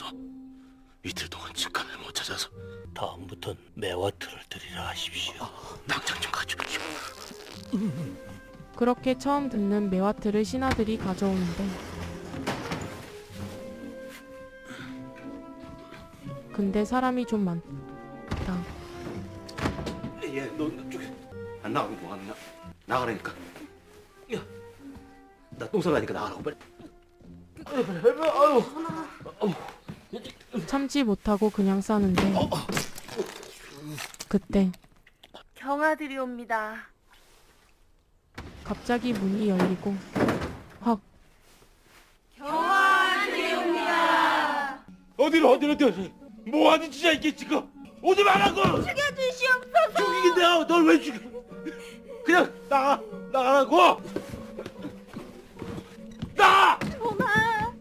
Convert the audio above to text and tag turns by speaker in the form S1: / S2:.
S1: 없어서 이틀 동안 직감을 못 찾아서.
S2: 다음부턴 매화틀을 드리라 하십시오.
S1: 당장 좀 가져오시오.
S3: 그렇게 처음 듣는 매화틀을 신하들이 가져오는데 근데 사람이 좀 많다.
S1: 예, 너 저기 안 나가고 뭐 하느냐? 나가라니까. 야, 나 똥 싸라니까 나가라고 빨리.
S3: 참지 못하고 그냥 싸는데 그때
S4: 경아들이옵니다.
S3: 갑자기 문이 열리고 확
S2: 어디로 뭐 하는 짓이야 이게 지금? 오지 말라고!
S4: 죽여주시옵소서.
S2: 죽이긴 내가 널 왜 죽여? 그냥 나가라고!